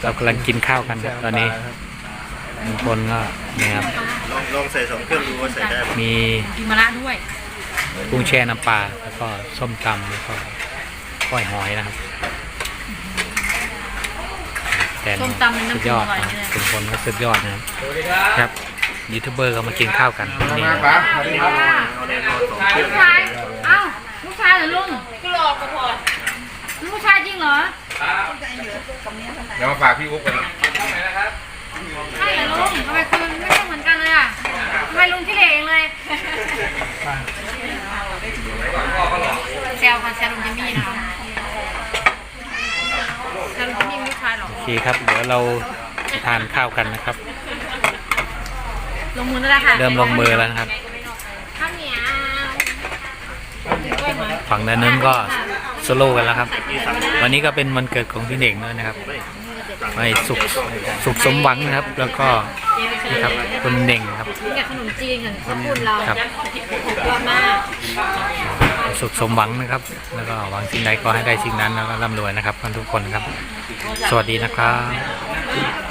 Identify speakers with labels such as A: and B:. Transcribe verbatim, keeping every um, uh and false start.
A: เรากำลังกินข้าวกันครับตอนนี้บางคนก็เนี่ยครับ
B: ลองลองใส่สองเครื่องดูว่าใส่ได้ไหม
A: มี
C: กินมะระด้วย
A: กุ้งแช่น้ำปลาแล้วก็ส้มตำแล้วก็ก้อยหอยนะครับแต่สุดยอดนะเป็นคนก็สุดยอดนะครับครับยูทูบเบอร์ก็มากินข้าวกันนี่นะ
C: ลูกชายเอ้าลูกชายเหรอลุงก็รอกระพอลูกชายจริงเหรอ
D: เดี๋ยวมาฝากพี่อุ๊บกัน
C: ใช่เหรอลุงทำไมคุณไม่ใช่เหมือนกันเลยอ่ะทำไมลุงขี้เหร่เองเลยแซวค่ะแซวลุงจิมมี่นะคะแซวลุงจิมมี่ลูกชายหรอ
A: โอเคครับเดี๋ยวเราทานข้าวกันนะครับ
C: ลงมือแล้วค่ะ
A: เริ่มลงมือแล้วนะครับ
C: ข้าวเหนียว
A: ฝั่งด้านนั้นก็โซโล่กันแล้วครับวันนี้ก็เป็นวันเกิดของพี่เน่งด้วยนะครับให้สุขสุขสมหวังนะครับแล้วก็นี่ครับคุณเน่งครับ
C: กับขนมจีนกันขอบคุณเรา
A: ครับ
C: ยอดมาก
A: สุขสมหวังนะครับแล้วก็หวังสิ่งใดก็ให้ได้สิ่งนั้นแล้วก็ร่ำรวยนะครับทุกคนครับสวัสดีนะครับ